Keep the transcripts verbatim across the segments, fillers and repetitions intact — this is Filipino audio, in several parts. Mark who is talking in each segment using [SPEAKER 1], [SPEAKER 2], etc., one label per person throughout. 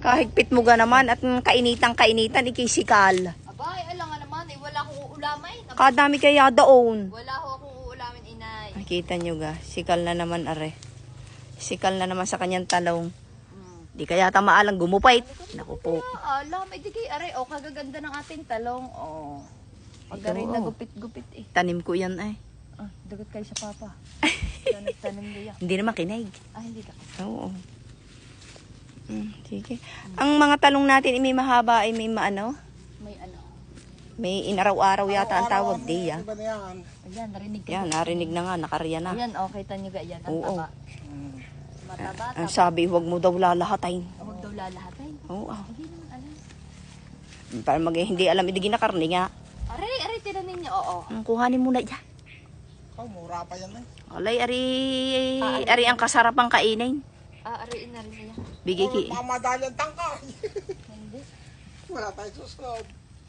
[SPEAKER 1] Kahigpit mo ga naman at kainitang-kainitan, ikisikal.
[SPEAKER 2] Abay, alam nga naman, eh, wala akong uulamay.
[SPEAKER 1] Kadami kaya daon.
[SPEAKER 2] Wala ho akong uulamin, inay.
[SPEAKER 1] Nakita nyo ga, sikal na naman are. Sikal na naman sa kanyang talong.
[SPEAKER 2] Hmm.
[SPEAKER 1] Di kaya tamaalang gumupait. Naku po.
[SPEAKER 2] Kaya, alam, eh, di kay are, o, kagaganda ng ating talong, o. Pag rin
[SPEAKER 1] Oo.
[SPEAKER 2] nagupit-gupit, eh.
[SPEAKER 1] Tanim ko yan ay.
[SPEAKER 2] Ah, dagat kayo sa papa. Yan, nagtanim niya.
[SPEAKER 1] Hindi naman kinaig.
[SPEAKER 2] Ah, hindi ka.
[SPEAKER 1] Oo. Mm, sige. Ang mga talong natin, eh, may mahaba ay may maano.
[SPEAKER 2] May ano.
[SPEAKER 1] May inaraw-araw yata ang tawag di ya.
[SPEAKER 3] Iba na yan.
[SPEAKER 2] Ayan, narinig ka.
[SPEAKER 1] Yan, narinig na nga, nakarya na.
[SPEAKER 2] Ayan, o, kita nyo ga, yan, ang
[SPEAKER 1] Oo.
[SPEAKER 2] taba. Mataba,
[SPEAKER 1] Ang
[SPEAKER 2] taba.
[SPEAKER 1] sabi, huwag mo daw lalahatin.
[SPEAKER 2] Huwag daw lalahatay.
[SPEAKER 1] Oo.
[SPEAKER 2] Hindi naman alam.
[SPEAKER 1] Para mag hindi alam, hindi ginakarni nga.
[SPEAKER 2] Aray, aray, tinanin niyo, oo.
[SPEAKER 1] Ang kuhanin mo na yan.
[SPEAKER 3] Oh, mura pa yan eh.
[SPEAKER 1] Alay, ari, ari ang kasarapang kainin.
[SPEAKER 2] Ah, aray, na rin niya.
[SPEAKER 1] Bigay ki.
[SPEAKER 3] Oh, mamadali ang tangka.
[SPEAKER 2] Hindi.
[SPEAKER 3] Wala tayong susunod.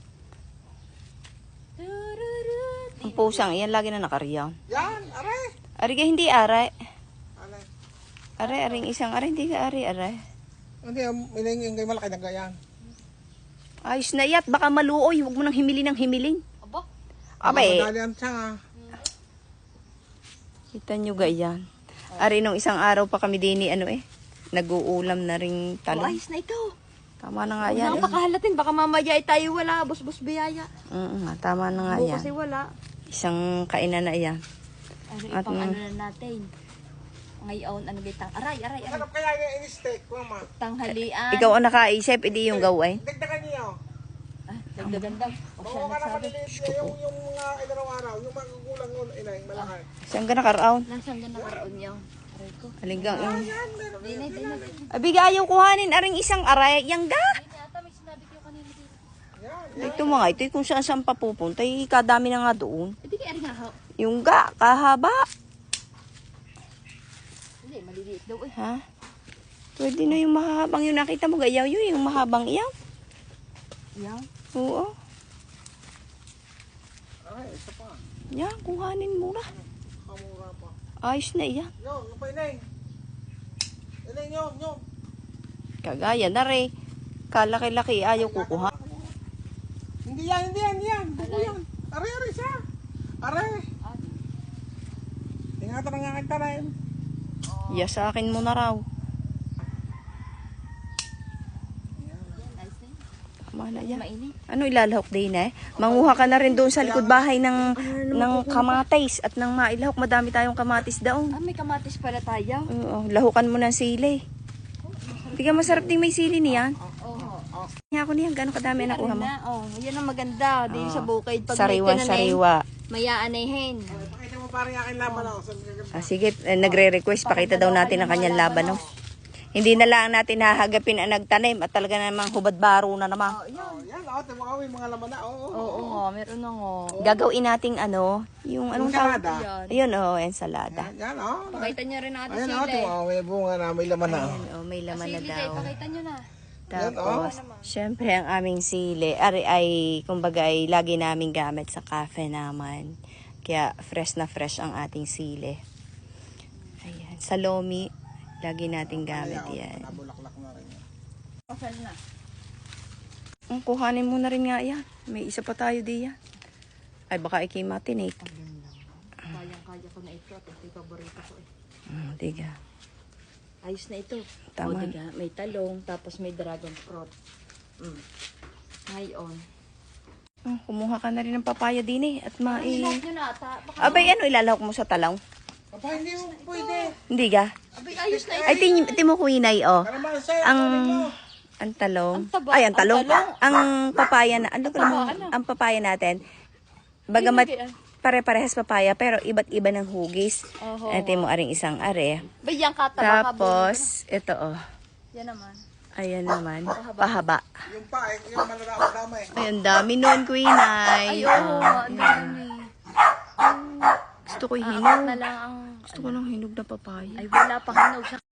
[SPEAKER 2] Tururut.
[SPEAKER 1] Ang pusang, yan lagi na nakarya.
[SPEAKER 3] Yan, are.
[SPEAKER 1] Ari ka hindi aray.
[SPEAKER 3] Are.
[SPEAKER 1] Aray, aring isang aray, hindi ka ari, aray.
[SPEAKER 3] Hindi, miningin kayo malaki na gayan.
[SPEAKER 1] Ayos na iyat, baka maluoy, huwag mo nang himili ng himiling.
[SPEAKER 2] Aba,
[SPEAKER 1] Abay,
[SPEAKER 3] Mamadali ang tanga.
[SPEAKER 1] kita nyo ga yan. Ari nung isang araw pa kami din ano eh. Nag-uulam na ring
[SPEAKER 2] oh,
[SPEAKER 1] talong.
[SPEAKER 2] ayos na ito.
[SPEAKER 1] Tama na nga yan. Eh.
[SPEAKER 2] Napakahalatin, baka mamaya ay tayo wala, bus-bus biyaya.
[SPEAKER 1] Oo nga, tama na nga
[SPEAKER 2] Oo,
[SPEAKER 1] yan.
[SPEAKER 2] kasi wala.
[SPEAKER 1] Isang kainan na yan.
[SPEAKER 2] Aray,
[SPEAKER 1] At
[SPEAKER 2] pang
[SPEAKER 1] mm.
[SPEAKER 2] ano na natin. Ngayon, ano bitang, aray, aray, aray.
[SPEAKER 3] Sarap kaya yung in-steak, mama.
[SPEAKER 2] Tanghalian.
[SPEAKER 1] Ikaw ang nakaisip, hindi yung gawin.
[SPEAKER 3] Dagdagan niyo.
[SPEAKER 2] Ah, dagdagan daw. O siya
[SPEAKER 3] Oo, ka na
[SPEAKER 2] nagsabi.
[SPEAKER 3] maliliit niya yung, yung mga inaraw-araw, yung magugulang yun, inay, malaki.
[SPEAKER 1] Saan ka nakaraon?
[SPEAKER 2] Nasaan ka nakaraon niya? Aray ko.
[SPEAKER 1] Halinggang yung...
[SPEAKER 3] Yan, meron.
[SPEAKER 2] Dinay, dinay, dinay.
[SPEAKER 1] Abiga, ayaw kuhanin, aring isang aray. Yang ga?
[SPEAKER 2] Hindi ata, may sinabi kayo kanina dito.
[SPEAKER 3] Yan.
[SPEAKER 1] Ito mga ito, kung saan saan papupunta, eh, kadami na nga doon.
[SPEAKER 2] Eh, di kaya nga ho.
[SPEAKER 1] Yung ga, kahaba.
[SPEAKER 2] Hindi, maliliit daw eh.
[SPEAKER 1] Ha? Pwede na yung mahabang yun. Nakita mo, gayaw yun, yung mahabang iyaw.
[SPEAKER 2] Yan.
[SPEAKER 1] Oo.
[SPEAKER 3] Ay, isa pa.
[SPEAKER 1] Yan, kuhanin mo na.
[SPEAKER 3] Kamura pa.
[SPEAKER 1] Ayos na iyan.
[SPEAKER 3] Yo, yung pa inay. Inay, yun, yun.
[SPEAKER 1] Kagaya na rin. Kalaki-laki, ayaw kukuha.
[SPEAKER 3] Hindi yan, hindi yan, hindi yan. Buko yan. Are, are siya. Are.
[SPEAKER 2] Ah,
[SPEAKER 3] Ingatan ang aking tanim.
[SPEAKER 1] Ya sa akin mo na raw.
[SPEAKER 2] yan, ayos na yun.
[SPEAKER 1] Tama na yan.
[SPEAKER 2] Mainit.
[SPEAKER 1] Ano ilalahok din eh? Manguha ka na rin doon sa likod bahay ng, ng kamatis at ng mailahok. Madami tayong kamatis daon.
[SPEAKER 2] Ah, may kamatis pala tayo.
[SPEAKER 1] Oo, lahukan mo ng sili. Hindi ka masarap din may sili niyan.
[SPEAKER 2] Oo. Oh,
[SPEAKER 1] Kaya ako niyan, gano'ng kadami nakuha mo?
[SPEAKER 2] na, oh, yan ang maganda. Di sa bukid. Pag
[SPEAKER 1] Sariwa,
[SPEAKER 2] may tinanim,
[SPEAKER 1] sariwa.
[SPEAKER 2] may aanihin.
[SPEAKER 3] Pakita mo parang aking laban ako. Sa gaganda.
[SPEAKER 1] Ah, sige, eh, nagre-request. Pakita daw natin ang kanyang laban. No? Hindi na lang natin hahagapin ang nagtanim at talaga namang hubad baro na naman.
[SPEAKER 2] Oh, yan.
[SPEAKER 3] Oh, yan, oh, timo kami mga laman na. Oo.
[SPEAKER 2] Oo, oh, nga, meron na nga.
[SPEAKER 1] Gagawin nating ano, yung anong tawag?
[SPEAKER 3] Ensalada.
[SPEAKER 1] Ayun, oh, ensalada.
[SPEAKER 3] Yan, oh.
[SPEAKER 2] Pakita nyo rin ang ating
[SPEAKER 3] Ayan,
[SPEAKER 2] sili.
[SPEAKER 3] oh, timo, oh, may bunga na, may laman na.
[SPEAKER 1] Ayan, oh, may laman na
[SPEAKER 2] Sili
[SPEAKER 1] daw.
[SPEAKER 2] kayo, pakita nyo na.
[SPEAKER 1] Tapos, syempre ang aming sili, ari ay, kumbaga ay lagi namin gamit sa cafe naman. Kaya fresh na fresh ang ating sili. Ayan, sa lomi, lagi natin gamit yan.
[SPEAKER 3] Nabulaklak na rin.
[SPEAKER 2] Pasal na.
[SPEAKER 1] Ang kuhanin mo na rin nga yan. May isa pa tayo diyan. Ay, baka ikimatinate.
[SPEAKER 2] Kayang-kaya ko na ito at ito yung paborito ko eh.
[SPEAKER 1] Hmm, diga.
[SPEAKER 2] Ayos na ito.
[SPEAKER 1] Tama.
[SPEAKER 2] O, diga, may talong, tapos may dragon fruit. Mm. Ngayon.
[SPEAKER 1] Hmm, kumuha ka na rin ng papaya din eh. At mai...
[SPEAKER 2] Lahat nyo na ata. Baka,
[SPEAKER 1] Abay, ano ilalahok mo sa talong?
[SPEAKER 3] Papa, hindi mo pwede.
[SPEAKER 1] Hindi ga?
[SPEAKER 2] abay, ayos na ito.
[SPEAKER 1] Ay, tin, tin mo kuinay, oh.
[SPEAKER 3] Para man sa'yo,
[SPEAKER 1] Ang...
[SPEAKER 3] kunin mo.
[SPEAKER 1] Ang talong.
[SPEAKER 2] Ang taba.
[SPEAKER 1] Ay, ang talong.
[SPEAKER 2] Ang talong.
[SPEAKER 1] Ang papaya na... Ano ba
[SPEAKER 2] taba,
[SPEAKER 1] naman?
[SPEAKER 2] ano?
[SPEAKER 1] Ang papaya natin. Bagamat
[SPEAKER 2] Hindi, ah.
[SPEAKER 1] pare-parehas papaya, pero iba't iba ng hugis.
[SPEAKER 2] Oho.
[SPEAKER 1] Ito mo aring isang are.
[SPEAKER 2] Bayang kataba ka.
[SPEAKER 1] Tapos, ito oh.
[SPEAKER 2] Yan naman.
[SPEAKER 1] Ayan naman. Pahaba.
[SPEAKER 3] Yung pa, eh, yung malala-dama eh.
[SPEAKER 1] Ay, ang dami nun, Queenay.
[SPEAKER 2] Ay, oo. Ang dami.
[SPEAKER 1] Gusto ko
[SPEAKER 2] Ah,
[SPEAKER 1] hinog.
[SPEAKER 2] na lang ang...
[SPEAKER 1] Gusto ko ng hinog na papaya.
[SPEAKER 2] Ay, wala pang hinog sa